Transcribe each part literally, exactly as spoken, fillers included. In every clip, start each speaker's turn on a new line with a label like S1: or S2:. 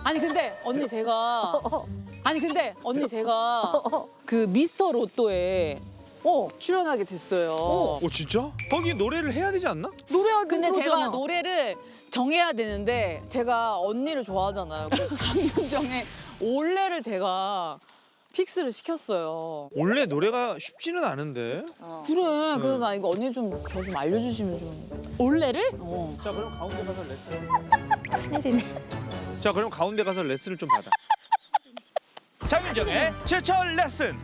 S1: 아니 근데 언니 제가 아니 근데 언니 제가 그 미스터 로또에 어, 출연하게 됐어요.
S2: 어 진짜? 거기 노래를 해야 되지 않나?
S1: 노래하기 근데 제가 노래를 정해야 되는데 제가 언니를 좋아하잖아요. 그 장윤정의 올레를 제가 픽스를 시켰어요.
S2: 원래 노래가 쉽지는 않은데.
S1: 그래. 그래서 나 이거 언니 좀 저 좀 알려주시면 좀.
S3: 올레를?
S1: 어.
S2: 자 그럼 가운데 가서 레슨.
S3: 큰일이네.
S2: 자 그럼 가운데 가서 레슨을 좀 받아. 장윤정의 제철 레슨.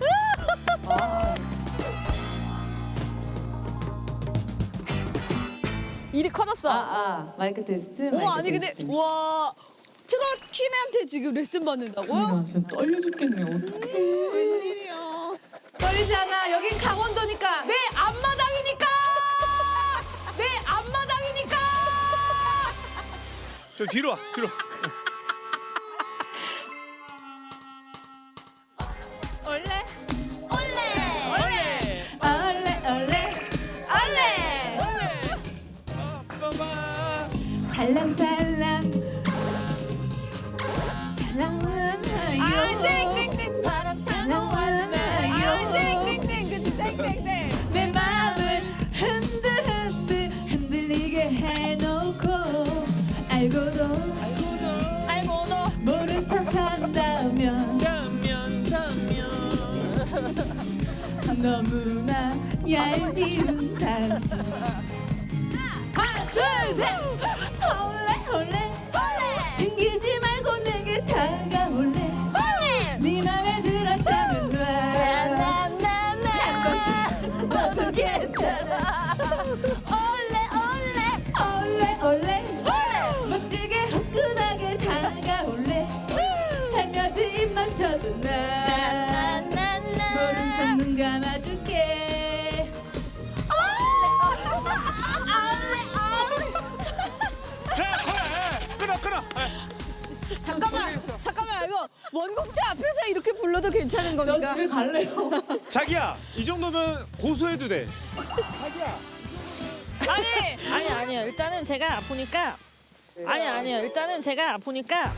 S3: 일이 커졌어.
S1: 아, 아. 마이크 테스트.
S4: 어 아니 근데 와 트롯 퀸한테 지금 레슨 받는다고요?
S1: 나 진짜 떨려 죽겠네. 어떡해.
S4: 웬일이야?
S1: 떨리지 않아. 여긴 강원도니까. 내 앞마당이니까. 내 앞마당이니까.
S2: 저 뒤로 와 뒤로.
S3: 올레?
S2: 원래.
S3: 올레 올레 올레.
S2: 빠바.
S3: 살랑살랑 살랑하나요?
S4: 아 땡땡땡
S3: 살랑하나요?
S4: 땡땡땡 그치 땡땡땡
S3: 내 맘을 흔들흔들 흔들리게 해놓고 알고도 알고도 모른 척한다면
S2: 다면 다면.
S3: 너무나 얄미운 당신 하나 둘셋 올레 올레 튕기지 말고 내게 다가올래 네 맘에 들었다면 나나나나 너도 괜찮아 올레 올레 올레 올레 멋지게 화끈하게 다가올래 살며시 입만 쳐도 나 모른 척 눈 감아줄게
S2: 자 끊어 끊어.
S4: 잠깐만 잠깐만 이거 원곡자 앞에서 이렇게 불러도 괜찮은 겁니까?
S1: 갈래요.
S2: 자기야 이 정도면 고소해도 돼. 자기야.
S4: 아니
S3: 아니 아니요 일단은 제가 아프니까 아니 아니요 일단은 제가 아프니까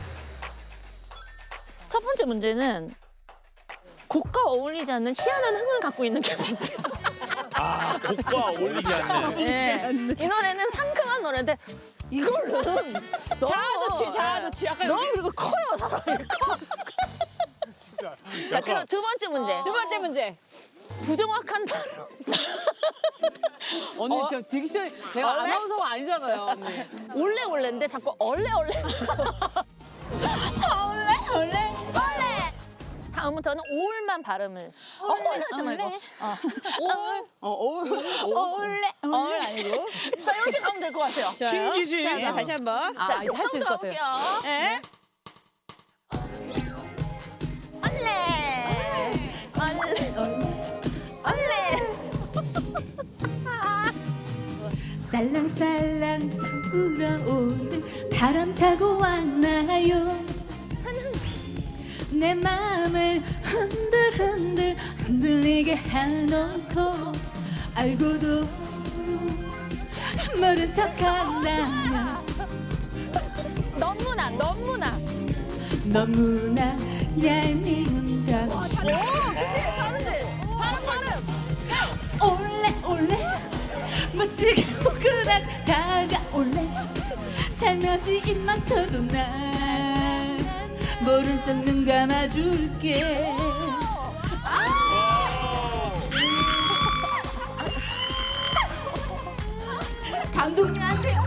S3: 첫 번째 문제는 곡과 어울리지 않는 희한한 흥을 갖고 있는 게 문제야.
S2: 아 곡과 어울리지 않는.
S3: 네. 이 노래는 상큼한 노래인데 이걸로는 너무
S4: 자아도취 자아도취 약간
S3: 너무
S4: 여기
S3: 그리고 커요 사람이 커. 자 그럼 두 번째 문제
S4: 두 번째 문제
S3: 부정확한 발음.
S1: 언니 저 딕션 제가
S3: 원래?
S1: 아나운서가 아니잖아요. 언니.
S3: 올레 올레인데 자꾸 얼레 얼레. 얼레 얼레 얼레. 다음부터는 오울만 발음을 엉걸하지 말고. 어.
S1: 올. 어, 올.
S3: 올레
S4: 얼 아니고
S3: 자 이렇게 가면 될 것 같아요.
S4: 좋아요.
S2: 튕기지.
S4: 네, 다시 한번
S1: 아, 이제 할 수 있을 것 같아요.
S3: 가볼게요.
S4: 네.
S3: 얼레 얼레 살랑살랑 불어오는 바람 타고 왔나요? 내 맘을 흔들흔들 흔들리게 해놓고 알고도 모른 척한다면 너무나 너무나 너무나 얄미운 당신 오 그치 다르지 발음 발음 올레 올레 멋지게 호그락 다가올래 살며시 입 맞춰도 난 모른 척 눈 감아줄게 감독님한테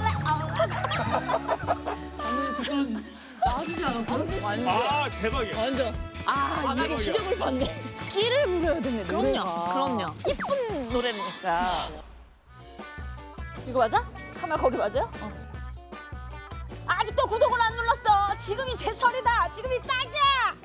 S1: 나와주지 않았어? 완전.
S2: 아 대박이야.
S1: 완전. 아, 이게 기적을 봤네. 끼를 부려야 되네,
S3: 그럼요
S1: 노래가.
S3: 그럼요 이쁜 노래니까 이거 맞아? 카메라 거기 맞아요? 어. 아직도 구독을 안 눌렀어 지금이 제철이다 지금이 딱이야